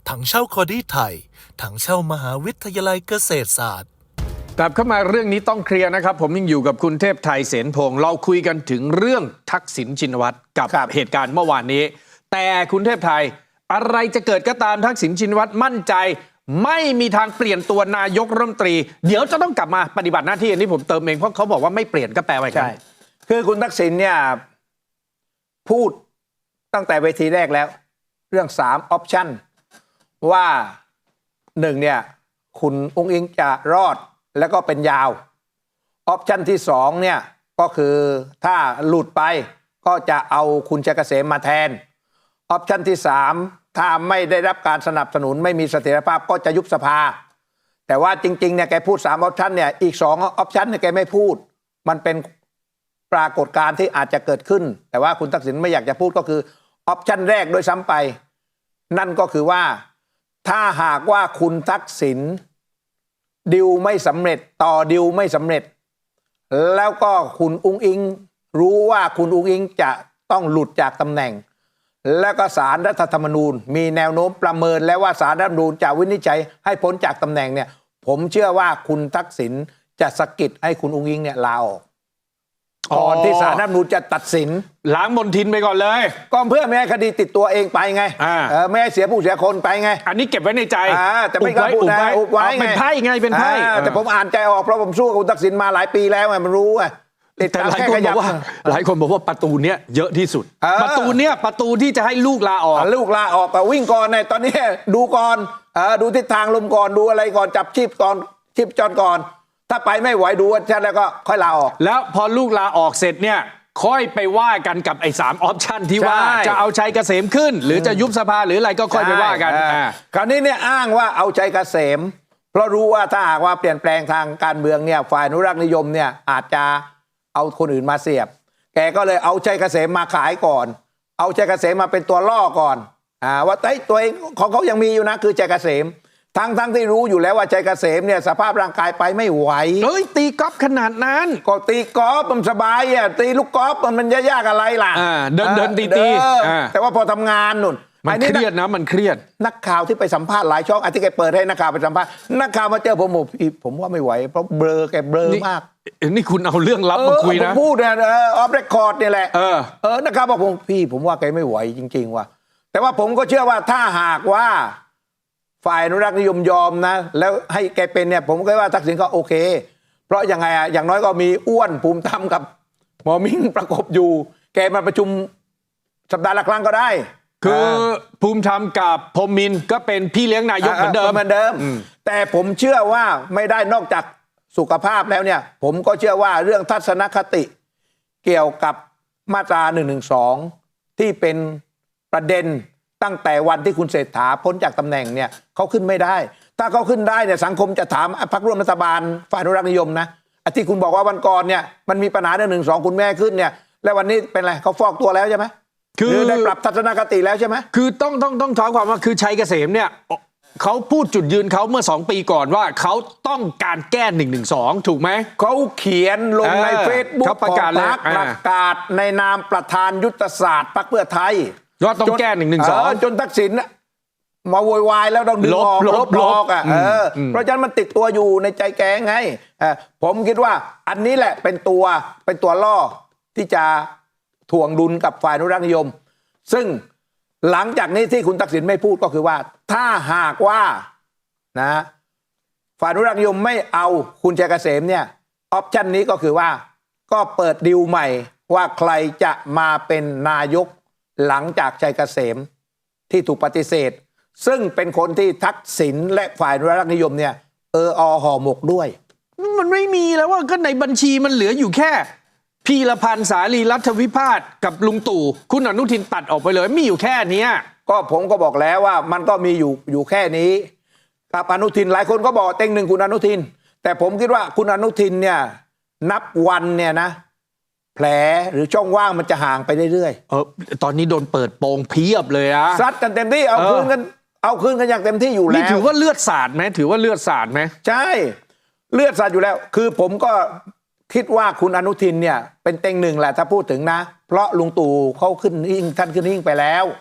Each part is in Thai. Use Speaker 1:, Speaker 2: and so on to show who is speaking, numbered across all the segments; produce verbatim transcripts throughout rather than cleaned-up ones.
Speaker 1: ถังเช่าคอดี้ไทยถังเช่ามหาวิทยาลัยเกษตรศาสตร์
Speaker 2: กลับเข้ามาเรื่องนี้ต้องเคลียร์นะครับผมยังอยู่กับคุณเทพไทยเสนพงศ์เราคุยกันถึงเรื่องทักษิณชินวัตรกับเหตุการณ์เมื่อวานนี้แต่คุณเทพไทยอะไรจะเกิดก็ตามทักษิณชินวัตรมั่นใจไม่มีทางเปลี่ยนตัวนายกรัฐมนตรีเดี๋ยวจะต้องกลับมาปฏิบัติหน้าที่อันนี้ผมเติมเองเพราะเขาบอกว่าไม่เปลี่ยนก็แปลว่าใช่
Speaker 3: คือคุณทักษิณเนี่ยพูดตั้งแต่เวทีแรกแล้วเรื่องสามออปชั่นว่าหนึ่งเนี่ยคุณอุ้งอิงจะรอดแล้วก็เป็นยาวออปชั่นที่สองเนี่ยก็คือถ้าหลุดไปก็จะเอาคุณชัยเกษมมาแทนออปชั่นที่สามถ้าไม่ได้รับการสนับสนุนไม่มีเสถียรภาพก็จะยุบสภาแต่ว่าจริงๆเนี่ยแกพูดสามออปชั่นเนี่ยอีกสองออปชั่นเนี่ยแกไม่พูดมันเป็นปรากฏการณ์ที่อาจจะเกิดขึ้นแต่ว่าคุณทักษิณไม่อยากจะพูดก็คือออปชั่นแรกโดยซ้ำไปนั่นก็คือว่าถ้าหากว่าคุณทักษิณดิวไม่สำเร็จต่อดิวไม่สำเร็จแล้วก็คุณอุ้งอิงรู้ว่าคุณอุ้งอิงจะต้องหลุดจากตำแหน่งแล้วก็ศาลรัฐธรรมนูญมีแนวโน้มประเมินแล้วว่าศาลรัฐธรรมนูญจะวินิจฉัยให้พ้นจากตำแหน่งเนี่ยผมเชื่อว่าคุณทักษิณจะสะกิดให้คุณอุ้งอิงเนี่ยลาออกก่อนที่ศาลรัฐธรรมนูญจะตัดสิน
Speaker 2: ล้างมลทินไปก่อนเลย
Speaker 3: ก็เพื่อไม่ให้คดีติดตัวเองไปไงไม่ให้เสียผู้เสียคนไปไง
Speaker 2: อันนี้เก็บไว้ในใจ
Speaker 3: แต่ไม่กล้าพูดนะอุบไว้ไง
Speaker 2: เป็นไพ่ไงเป็นไพ่
Speaker 3: แต่ผมอ่านใจออกเพราะผมสู้กับคุณทักษิณมาหลายปีแล้วไงมันรู้ไง
Speaker 2: แต่หลายคนบอกว่าหลายคนบอกว่าประตูเนี้ยเยอะที่สุดประตูเนี้ยประตูที่จะให้ลูกลาออก
Speaker 3: ลูกลาออกก็วิ่งก่อนในตอนนี้ดูก่อนดูทิศทางลมก่อนดูอะไรก่อนจับชีพก่อนชีพจรก่อนถ้าไปไม่ไหวดูว่าชัดแล้วก็ค่อยลาออก
Speaker 2: แล้วพอลูกลาออกเสร็จเนี่ยค่อยไปว่ากันกับไอ้สามออปชั่นที่ว่าจะเอาชัยเกษมขึ้นหรือจะยุบสภาหรืออะไรก็ค่อยไปว่ากัน
Speaker 3: คราวนี้เนี่ยอ้างว่าเอาชัยเกษมเพราะรู้ว่าถ้าหากว่าเปลี่ยนแปลงทางการเมืองเนี่ยฝ่ายอนุรักษ์นิยมเนี่ยอาจจะเอาคนอื่นมาเสียบแกก็เลยเอาชัยเกษมมาขายก่อนเอาชัยเกษมมาเป็นตัวล่อก่อนอ่าว่าไอ้ตัวเองของเขายังมีอยู่นะคือชัยเกษมทั้งทั้งที่รู้อยู่แล้วว่าชัยเกษมเนี่ยสภาพร่างกายไปไม่ไหว
Speaker 2: เฮ้ยตีกอล์ฟขนาดนั้น
Speaker 3: ก็ตีกอล์ฟมันสบายอ่ะตีลูกกอล์ฟมันมันยากอะไรล่ะ
Speaker 2: เดินเดินตีตี
Speaker 3: แต่ว่าพอทำงานนุ่น
Speaker 2: มันเครียดนะมันเครียด
Speaker 3: นักข่าวที่ไปสัมภาษณ์หลายช่องอาทิตย์แกเปิดให้นักข่าวไปสัมภาษณ์นักข่าวมาเจอผมบอกผมว่าไม่ไหวเพราะเบลอแกเบลอมาก
Speaker 2: นี่คุณเอาเรื่องลับมาคุยนะ
Speaker 3: ผมพูดเนี่ยออฟเรคคอร์ดเนี่ยแหละเออเออนักข่าวบอกผมพี่ผมว่าแกไม่ไหวจริงๆว่ะแต่ว่าผมก็เชื่อว่าถ้าหากว่าฝ่ายอนุรักษ์นิยมยอมนะแล้วให้แกเป็นเนี่ยผมก็ว่าทักษิณก็โอเคเพราะยังไงอ่ะอย่างน้อยก็มีอ้วนภูมิธรรมกับหมอมิ่งประกบอยู่แกมาประชุมสัปดาห์ละครั้งก็ได้
Speaker 2: คือภูมิธรรมกับพรหมินทร์ก็เป็นพี่เลี้ยงนายกเหมือนเดิม
Speaker 3: เหมือนเดิมแต่ผมเชื่อว่าไม่ได้นอกจากสุขภาพแล้วเนี่ยผมก็เชื่อว่าเรื่องทัศนคติเกี่ยวกับมาตราหนึ่งหนึ่งสองที่เป็นประเด็นตั้งแต่วันที่คุณเศรษฐาพ้นจากตำแหน่งเนี่ยเขาขึ้นไม่ได้ถ้าเขาขึ้นได้เนี่ยสังคมจะถามพรรคร่วมรัฐบาลฝ่ายอนุรักษ์นิยมนะที่คุณบอกว่าวันก่อนเนี่ยมันมีปัญหาเรื่องหนึ่งสองคุณแม่ขึ้นเนี่ยแล้ววันนี้เป็นไรเขาฟอกตัวแล้วใช่ไหมคือได้ปรับทัศนคติแล้วใช่ไหม
Speaker 2: คือต้องต้องต้องท้าความว่าคือชัยเกษมเนี่ยเขาพูดจุดยืนเขาเมื่อสองปีก่อนว่าเขาต้องการแก้หนึ่งหนึ่งสองถูกไหม
Speaker 3: เขาเขียนลงในเฟซบุ๊ก
Speaker 2: ประกาศ
Speaker 3: พรรคประกาศในนามประธานยุทธศาสตร์พรรคเพื่อไทย
Speaker 2: ว่าต้องแก้หนึ่งหนึ่งสอง
Speaker 3: จนทักษิณมาโวยวายแล้วต้องดึงออกลบลอกอ่ะเพราะฉะนั้นมันติดตัวอยู่ในใจแกไงผมคิดว่าอันนี้แหละเป็นตัวเป็นตัวล่อที่จะถ่วงดุลกับฝ่ายอนุรักษ์นิยมซึ่งหลังจากนี้ที่คุณทักษิณไม่พูดก็คือว่าถ้าหากว่านะฝ่ายอนุรักษ์นิยมไม่เอาคุณชัยเกษมเนี่ยออปชันนี้ก็คือว่าก็เปิดดิวใหม่ว่าใครจะมาเป็นนายกหลังจากชัยเกษมที่ถูกปฏิเสธซึ่งเป็นคนที่ทักษิณและฝ่ายอนุรักษ์นิยมเนี่ยเอออห่อหมกด้วย
Speaker 2: มันไม่มีแล้วว่าก็ในบัญชีมันเหลืออยู่แค่พีรพันธ์สาลีรัฐวิพาทกับลุงตู่คุณอนุทินตัดออกไปเลยมีอยู่แค่นี้
Speaker 3: ก็ผมก็บอกแล้วว่ามันก็มีอยู่อยู่แค่นี้กับอนุทินหลายคนก็บอกเต็งหนึ่งคุณอนุทินแต่ผมคิดว่าคุณอนุทินเนี่ยนับวันเนี่ยนะแผลหรือช่องว่างมันจะห่างไปเรื่อย
Speaker 2: ๆเออตอนนี้โดนเปิดโปงเพียบเลยอะ
Speaker 3: ซัดกันเต็มที่เอาคืนกันเอาคืนกันอย่างเต็มที่อยู่แล้ว
Speaker 2: นี่ถือว่าเลือดสาดไหมถือว่าเลือดสาดไหม
Speaker 3: ใช่เลือดสาดอยู่แล้วคือผมก็คิดว่าคุณอนุทินเนี่ยเป็นเต็งหนึ่งแหละถ้าพูดถึงนะเพราะลุงตู่เขาขึ้นหิ้งท่านขึ้นหิ้งไปแล้ว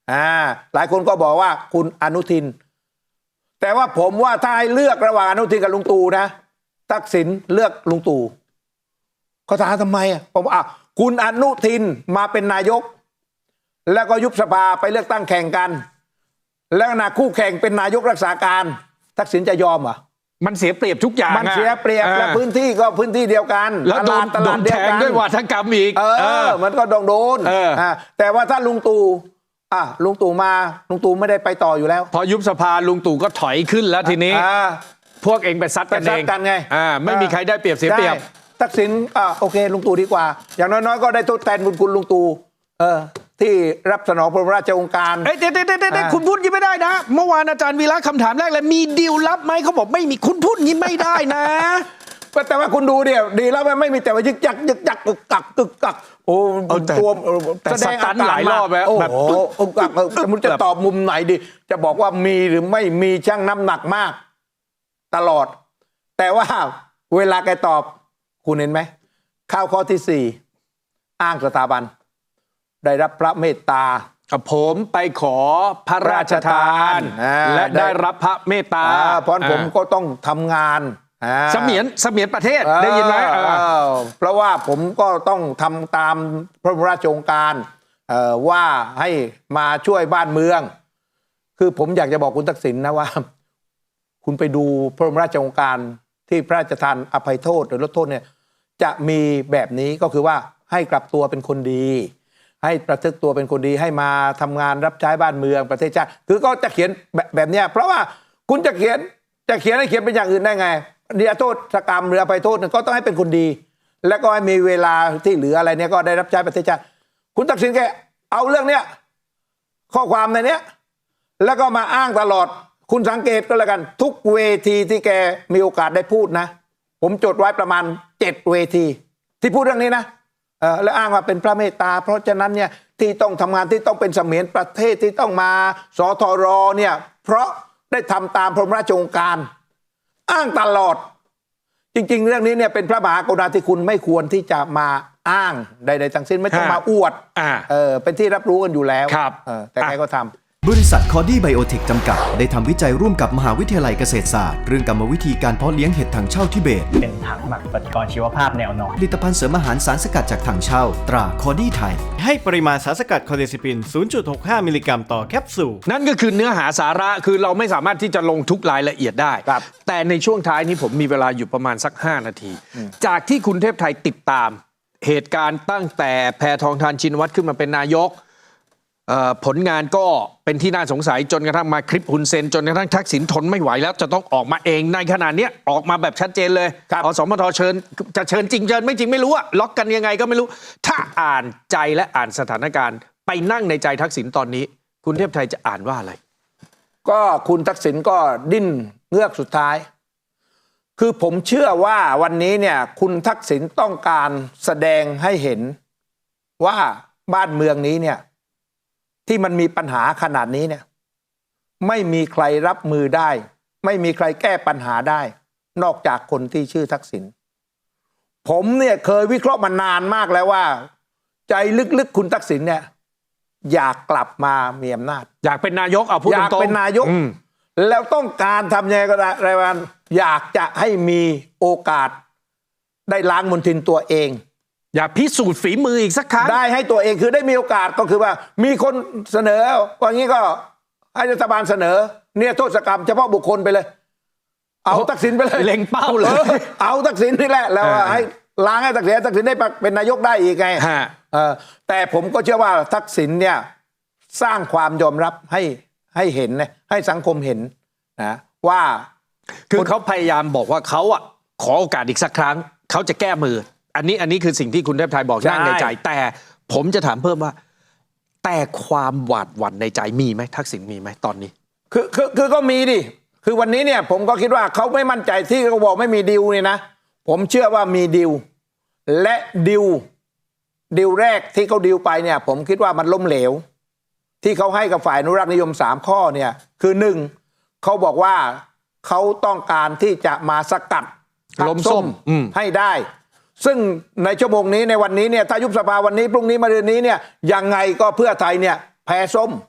Speaker 3: อ่าหลายคนก็บอกว่าคุณอนุทิน แต่ว่าผมว่าถ้าให้เลือกระหว่างอนุทินกับลุงตู่นะทักษิณเลือกลุงตู่เขาถามทำไมอ่ะผมอ่ะคุณอนุทินมาเป็นนายกแล้วก็ยุบสภาไปเลือกตั้งแข่งกัน แล้วนะคู่แข่งเป็นนายกรักษาการทักษิณจะยอมเหรอ
Speaker 2: มันเสียเปรียบทุกอย่าง
Speaker 3: มันเสียเปรียบ
Speaker 2: อ่า
Speaker 3: และพื้นที่ก็พื้นที่เดียวกัน
Speaker 2: แล้วโดน
Speaker 3: ต
Speaker 2: โด
Speaker 3: ลาด
Speaker 2: น
Speaker 3: เดี
Speaker 2: แท
Speaker 3: ยว
Speaker 2: ง
Speaker 3: กัน
Speaker 2: ด้วยวาทกรรมอีก
Speaker 3: เออ
Speaker 2: เออ
Speaker 3: มันก็โดนโดน
Speaker 2: เอออ่
Speaker 3: าแต่ว่าถ้าลุงตู่อ่ะลุงตู่มาลุงตู่ไม่ได้ไปต่ออยู่แล้ว
Speaker 2: พอยุบสภาลุงตู่ก็ถอยขึ้นแล้วทีนี้
Speaker 3: อ่า
Speaker 2: พวกเองไปซัดกัน
Speaker 3: ไปซั
Speaker 2: เอ
Speaker 3: ด
Speaker 2: ง
Speaker 3: กันไง
Speaker 2: อ่าไม่มีใครได้เปรียบเสียเปรียบ
Speaker 3: ได้ทักษิณอ่ะโอเคลุงตู่ดีกว่า อย่างน้อยๆก็ได้ทดแทนบุญคุณลุงตู่เออที่รับสนองพระบรมราชโองการ
Speaker 2: เอ้ยเดี๋ยวเดี๋ยวเดี๋ยวเดี๋ยว
Speaker 3: อ่า
Speaker 2: คุณพูดอยังไม่ได้นะ เมื่อวานอาจารย์วีระคำถามแรกเลยมีดีลลับไหมเขาบอกไม่มีคุณพูดอย่างนี้ไม่ได้นะ
Speaker 3: แต่ว่าคุณดูเดียวดีแล้วมันไม่มีแต่ว่ายึกยักยึกยักกึกกักกึกกักโอ้
Speaker 2: เอาแต่
Speaker 3: ตัว
Speaker 2: แต่
Speaker 3: แสดง
Speaker 2: สตัน
Speaker 3: ก
Speaker 2: หลายรอบแล้ว
Speaker 3: โอ้
Speaker 2: แบบ
Speaker 3: โหกึกกักแต่มันจะตอบมุมไหนดี จะบอกว่ามีหรือไม่มีช่างน้ำหนักมาก ตลอด แต่ว่าเวลาแกตอบคุณเห็นไหมข้าวข้อที่สี่อ้างสถาบัน ได้รับพระเมตตา
Speaker 2: ผมไปขอพระราชทาน
Speaker 3: อ่า
Speaker 2: และ
Speaker 3: ได้
Speaker 2: ได้รับพระเมตตา
Speaker 3: อ่าเพราะผมก็ต้องทำงานอ่า
Speaker 2: เสมียนเสมียนประเทศได้ยินไหม
Speaker 3: เออ
Speaker 2: เออ
Speaker 3: เออเพราะว่าผมก็ต้องทำตามพระบรมราชโองการเอ่อว่าให้มาช่วยบ้านเมือง คือผมอยากจะบอกคุณทักษิณนะว่า คุณไปดูพระบรมราชโองการที่พระราชทานอภัยโทษหรือลดโทษเนี่ยจะมีแบบนี้ก็คือว่าให้กลับตัวเป็นคนดี ให้ประพฤติตัวเป็นคนดีให้มาทำงานรับใช้บ้านเมืองประเทศชาติคือก็จะเขียนแบบแบบเนี้ยเพราะว่าคุณจะเขียนจะเขียนให้เขียนเป็นอย่างอื่นได้ไงนิรโทษกรรมหรืออภัยโทษเนี่ยก็ต้องให้เป็นคนดี แล้วก็ให้มีเวลาที่เหลืออะไรเนี่ยก็ได้รับใช้ประเทศชาติคุณทักษิณแกเอาเรื่องเนี้ยข้อความในเนี้ยแล้วก็มาอ้างตลอดคุณสังเกตก็แล้วกันทุกเวทีที่แกมีโอกาสได้พูดนะผมจดไว้ประมาณเจ็ดเวทีที่พูดเรื่องนี้นะเออแล้วอ้างว่าเป็นพระเมตตาเพราะฉะนั้นเนี่ยที่ต้องทำงานที่ต้องเป็นเสมียนประเทศที่ต้องมาสทรเนี่ยเพราะได้ทำตามพระบรมราชโองการอ้างตลอดจริงๆเรื่องนี้เนี่ยเป็นพระมหากรุณาธิคุณไม่ควรที่จะมาอ้างใดๆทั้งสิ้นไม่ต้องมาอวด
Speaker 2: อ่า
Speaker 3: เออเป็นที่รับรู้กันอยู่แล้ว
Speaker 2: ครับ
Speaker 3: เออแต่ใครก็ทำ
Speaker 4: บริษัทคอดี้ไบโอเทคจำกัดได้ทำวิจัยร่วมกับมหาวิทยาลัยเกษตรศาสตร์เรื่องกรรมวิธีการเพาะเลี้ยงเห็ดถังเช่าทิเบต
Speaker 5: เป็นถังหมักปฏิกรณ์ชีวภาพแนวนอน
Speaker 4: ผลิตภัณฑ์เสริมอาหารสารสกัดจากถังเช่า ตราคอดี้ไทย
Speaker 6: ให้ปริมาณสารสกัดคอเดซิปิน ศูนย์จุดหกห้า มิลลิกรัมต่อแคปซูล
Speaker 2: นั่นก็คือเนื้อหาสาระคือเราไม่สามารถที่จะลงทุกรายละเอียดได้
Speaker 3: ครับ
Speaker 2: แต่ในช่วงท้ายนี้ผมมีเวลาอยู่ประมาณสัก ห้า นาที จากที่คุณเทพไทยติดตามเหตุการณ์ตั้งแต่แพทองธารชินวัตรขึ้นมาเป็นนายกเอ่อผลงานก็เป็นที่น่าสงสัยจนกระทั่งมาคลิปฮุนเซนจนกระทั่งทักษิณทนไม่ไหวแล้วจะต้องออกมาเองในขณะเนี้ยออกมาแบบชัดเจนเลย
Speaker 3: ครับ
Speaker 2: อสมทเชิญจะเชิญจริงเชิญไม่จริงไม่รู้อะล็อกกันยังไงก็ไม่รู้ ถ้าอ่านใจและอ่านสถานการณ์ ไปนั่งในใจทักษิณตอนนี้ คุณเทพไทยจะอ่านว่าอะไร
Speaker 3: ก็คุณทักษิณก็ดิ้นเงือกสุดท้าย คือผมเชื่อว่าวันนี้เนี่ยคุณทักษิณต้องการแสดงให้เห็นว่าบ้านเมืองนี้เนี่ยที่มันมีปัญหาขนาดนี้เนี่ยไม่มีใครรับมือได้ ไม่มีใครแก้ปัญหาได้ นอกจากคนที่ชื่อทักษิณผมเนี่ยเคยวิเคราะห์มานานมากแล้วว่า ใจลึกๆคุณทักษิณเนี่ยอยากกลับมามีอำนาจ
Speaker 2: อยากเป็นนายกเอาพูด
Speaker 3: อ
Speaker 2: ตรงๆ
Speaker 3: ยากเป็นนายก
Speaker 2: อืม
Speaker 3: แล้วต้องการทำยังไงก็ได้รายวันอยากจะให้มีโอกาสได้ล้างมลทินตัวเอง
Speaker 2: อยากพิสูจน์ฝีมืออีกสักครั้ง
Speaker 3: ได้ให้ตัวเองคือได้มีโอกาสก็คือว่ามีคนเสนอว่างี้ก็ให้รัฐบาลเสนอเนี่ยโทษกรรมเฉพาะบุคคลไปเลย เอาทักษิณไปเลย
Speaker 2: เล็งเป้าเลย
Speaker 3: ออเอาทักษิณนี่แหละแล้ว
Speaker 2: อ่า
Speaker 3: ให้ล้างให้ทักษิณทักษิณได้เป็นนายกได้อีกไง
Speaker 2: ฮะ
Speaker 3: เออแต่ผมก็เชื่อว่าทักษิณเนี่ยสร้างความยอมรับให้ให้เห็นนะให้สังคมเห็นนะว่า
Speaker 2: คือเขาพยายามบอกว่าเขาอ่ะขอโอกาสอีกสักครั้งเขาจะแก้มือ อันนี้อันนี้คือสิ่งที่คุณเทพไทยบอก
Speaker 3: ใช่
Speaker 2: นั่งในใจ แต่ผมจะถามเพิ่มว่า แต่ความหวาดหวั่นในใจมีไหมทักษิณมีไหมตอนนี้
Speaker 3: คือคือคือก็มีดิคือวันนี้เนี่ยผมก็คิดว่าเขาไม่มั่นใจที่เขาบอกไม่มีดิวนี่นะผมเชื่อว่ามีดิวและดิวดิวแรกที่เขาดิวไปเนี่ยผมคิดว่ามันล้มเหลว ที่เขาให้กับฝ่ายอนุรักษ์นิยมสามข้อเนี่ยคือหนึ่งเขาบอกว่าเขาต้องการที่จะมาสกัดพรรค
Speaker 2: ล้มส้มอืม
Speaker 3: ให้ได้ ซึ่งในชั่วโมงนี้ในวันนี้เนี่ยถ้ายุบสภาวันนี้พรุ่งนี้มะรืนนี้เนี่ยยังไงก็เพื่อไทยเนี่ยแพ้ส้ม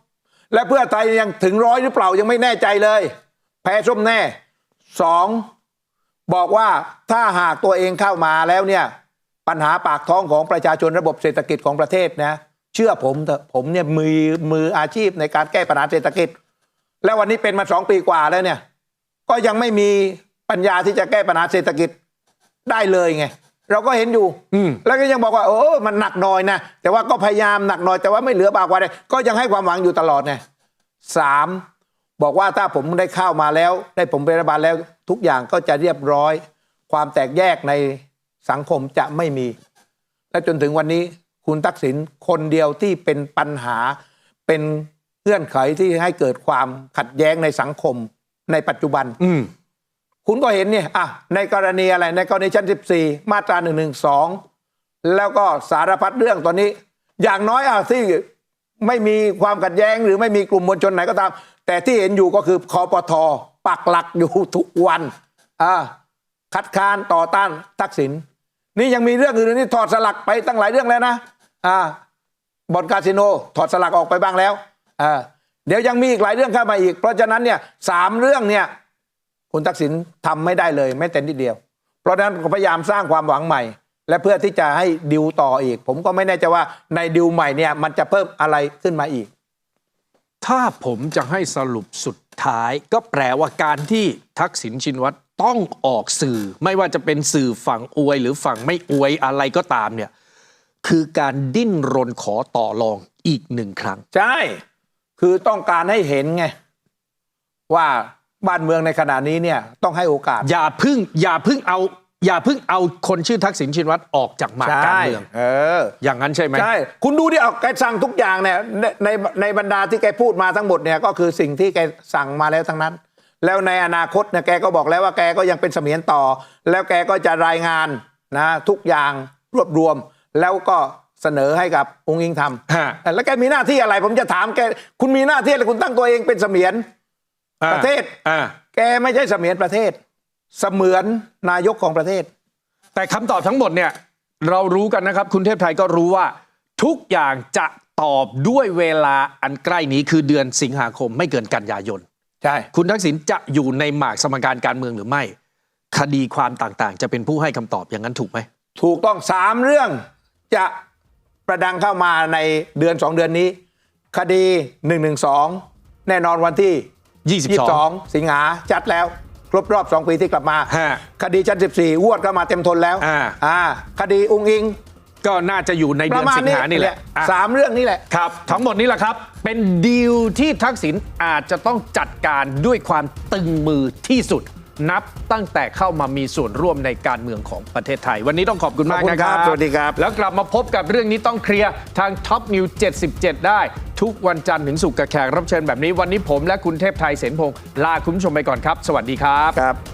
Speaker 3: และเพื่อไทยยังถึงร้อยหรือเปล่ายังไม่แน่ใจเลย แพ้ส้มแน่สองบอกว่าถ้าหากตัวเองเข้ามาแล้วเนี่ยปัญหาปากท้องของประชาชนระบบเศรษฐกิจของประเทศนะเชื่อผมเถอะผมเนี่ยมือมืออาชีพในการแก้ปัญหาเศรษฐกิจแล้ววันนี้เป็นมาสองปีกว่าแล้วเนี่ยก็ยังไม่มีปัญญาที่จะแก้ปัญหาเศรษฐกิจได้เลยไงเราก็เห็นอยู่แล้วก็ยังบอกว่าโอ้มันหนักหน่อยนะแต่ว่าก็พยายามหนักหน่อยแต่ว่าไม่เหลือบากกว่าใดก็ยังให้ความหวังอยู่ตลอดไงสามบอกว่าถ้าผมได้เข้ามาแล้วได้ผมเป็นรัฐบาลแล้วทุกอย่างก็จะเรียบร้อยความแตกแยกในสังคมจะไม่มีและจนถึงวันนี้คุณทักษิณคนเดียวที่เป็นปัญหาเป็นเงื่อนไขที่ให้เกิดความขัดแย้งในสังคมในปัจจุบัน
Speaker 2: อืม
Speaker 3: คุณก็เห็นเนี่ยอ่ะในกรณีอะไรในกรณีชั้นสิบสี่มาตราหนึ่งหนึ่งสองแล้วก็สารพัดเรื่องตอนนี้อย่างน้อยอ่ะที่ไม่มีความขัดแย้งหรือไม่มีกลุ่มมวลชนไหนก็ตามแต่ที่เห็นอยู่ก็คือคปท.ปักหลักอยู่ทุกวันอ่าคัดค้านต่อต้านทักษิณนี่ยังมีเรื่องอื่นนี่ถอดสลักไปตั้งหลายเรื่องแล้วนะอ่าบ่อนคาสิโนถอดสลักออกไปบ้างแล้วอ่าเดี๋ยวยังมีอีกหลายเรื่องเข้ามาอีกเพราะฉะนั้นเนี่ยสามเรื่องเนี่ยคุณทักษิณทำไม่ได้เลยแม้แต่นิดเดียวเพราะฉะนั้นพยายามสร้างความหวังใหม่และเพื่อที่จะให้ดิวต่ออีกผมก็ไม่แน่ใจว่าในดิวใหม่เนี่ยมันจะเพิ่มอะไรขึ้นมาอีก
Speaker 2: ถ้าผมจะให้สรุปสุดท้ายก็แปลว่าการที่ทักษิณชินวัตรต้องออกสื่อไม่ว่าจะเป็นสื่อฝั่งอวยหรือฝั่งไม่อวยอะไรก็ตามเนี่ยคือการดิ้นรนขอต่อรองอีกหนึ่งครั้ง
Speaker 3: ใช่คือต้องการให้เห็นไงว่าบ้านเมืองในขณะนี้เนี่ยต้องให้โอกาส
Speaker 2: อย่าพึ่งอย่าพึ่งเอาอย่าพึ่งเอาคนชื่อทักษิณชินวัตรออกจากหมากการเมือง
Speaker 3: เออ
Speaker 2: อย่างนั้นใช่ไหม
Speaker 3: ใช่คุณดูดิเอาแกสั่งทุกอย่างเนี่ยในในในบรรดาที่แกพูดมาทั้งหมดเนี่ยก็คือสิ่งที่แกสั่งมาแล้วทั้งนั้นแล้วในอนาคตเนี่ยแกก็บอกแล้วว่าแกก็ยังเป็นเสมียนต่อแล้วแกก็จะรายงานนะทุกอย่างรวบรวมแล้วก็เสนอให้กับองค์อิงทำแล้วแกมีหน้าที่อะไรผมจะถามแกคุณมีหน้าที่อะไรคุณตั้งตัวเองเป็นเสมียนประเทศแกไม่ใช่เสมียนประเทศเสมือนนายกของประเทศ
Speaker 2: แต่คำตอบทั้งหมดเนี่ยเรารู้กันนะครับคุณเทพไทยก็รู้ว่าทุกอย่างจะตอบด้วยเวลาอันใกล้นี้คือเดือนสิงหาคมไม่เกินกันยายน
Speaker 3: ใช่
Speaker 2: คุณทักษิณจะอยู่ในหมากสมการการเมืองหรือไม่คดีความต่างๆจะเป็นผู้ให้คำตอบอย่างนั้นถูกไหม
Speaker 3: ถูกต้องสามเรื่องจะประดังเข้ามาในเดือนสองเดือนนี้คดีหนึ่งหนึ่งสองแน่นอนวันที่
Speaker 2: ยี่สิบสอง
Speaker 3: สิงหาจัดแล้วครบรอบสองปีที่กลับมาคดีชั้นสิบสี่ววดก็มาเต็มทนแล้วอ่าคดีอุ้งอิง
Speaker 2: ก็น่าจะอยู่ในเดือนสิงหานี่แหละ
Speaker 3: สามเรื่องนี้แหละ
Speaker 2: ครับทั้งหมดนี้แหละครับเป็นดีลที่ทักษิณอาจจะต้องจัดการด้วยความตึงมือที่สุดนับตั้งแต่เข้ามามีส่วนร่วมในการเมืองของประเทศไทยวันนี้ต้องขอบคุณมากนะครับ
Speaker 3: สวัสดีครับ
Speaker 2: แล้วกลับมาพบกับเรื่องนี้ต้องเคลียร์ทาง Top News เจ็ดสิบเจ็ดได้ทุกวันจันทร์ถึงศุกร์กับแขกรับเชิญแบบนี้วันนี้ผมและคุณเทพไทยเสนพงษ์ลาคุณผู้ชมไปก่อนครับสวัสดีครับ
Speaker 3: ครับ